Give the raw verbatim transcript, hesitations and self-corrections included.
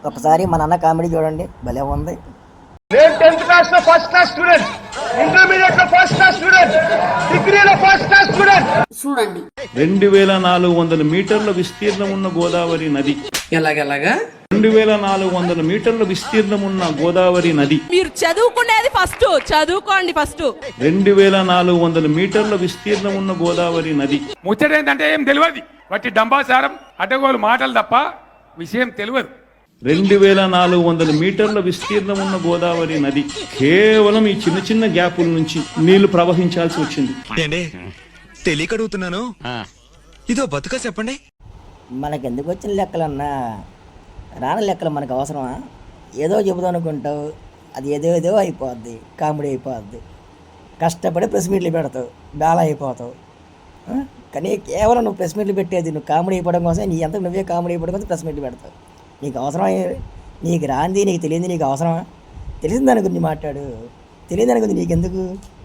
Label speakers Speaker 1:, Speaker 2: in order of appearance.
Speaker 1: ఒకసారి మా నాన్న కామెడీ చూడండి, భలే ఉంది.
Speaker 2: నేను టెన్త్ క్లాస్ లో ఫస్ట్ క్లాస్ స్టూడెంట్, ఇంటర్మీడియట్ లో ఫస్ట్ క్లాస్ స్టూడెంట్, డిగ్రీలో ఫస్ట్ క్లాస్ స్టూడెంట్.
Speaker 3: చూడండి,
Speaker 4: రెండు వేల నాలుగు వందల మీటర్ల విస్తీర్ణం ఉన్న గోదావరి నది.
Speaker 5: ఎలాగెలాగా
Speaker 4: రెండు వేల నాలుగు వందల మీటర్ల విస్తీర్ణం ఉన్న గోదావరి నది.
Speaker 6: మీరు చదువుకునేది ఫస్ట్, చదువుకోండి ఫస్ట్.
Speaker 4: రెండు వేల నాలుగు వందల మీటర్ల విస్తీర్ణం ఉన్న గోదావరి నది.
Speaker 2: ముచ్చటేంటంటే ఏం తెలియదు, వట్టి డంబాసారం అడ్డగోలు మాటలు తప్ప విషయం తెలియదు.
Speaker 4: రెండు వేల నాలుగు వందల మీటర్ల విస్తీర్ణం ఉన్న గోదావరి నది. కేవలం ఈ చిన్న చిన్న గ్యాపుల నుంచి నీళ్లు ప్రవహించాల్సి వచ్చింది.
Speaker 7: తెలియక అడుగుతున్నాను, ఇదో బతుక చెప్పండి.
Speaker 1: మనకెందుకు వచ్చిన లెక్కలన్నా, రాని లెక్కలు మనకు అవసరమా? ఏదో చెబుదాం అనుకుంటావు, అది ఏదో ఏదో అయిపోద్ది, కామెడీ అయిపోద్ది. కష్టపడి ప్రెస్ మీట్లు పెడతావు, డాలా అయిపోతావు. కానీ కేవలం నువ్వు ప్రెస్ మీట్లు పెట్టేది నువ్వు కామెడీ అయిపోవడం కోసం, నీ అంతా నువ్వే కామెడీ అయిపోవడం కోసం ప్రెస్ మీట్లు పెడతావు. నీకు అవసరమా? నీకు రాంది, నీకు తెలియంది నీకు అవసరమా? తెలిసిన దాని గురించి మాట్లాడు, తెలియని దాని గురించి నీకెందుకు?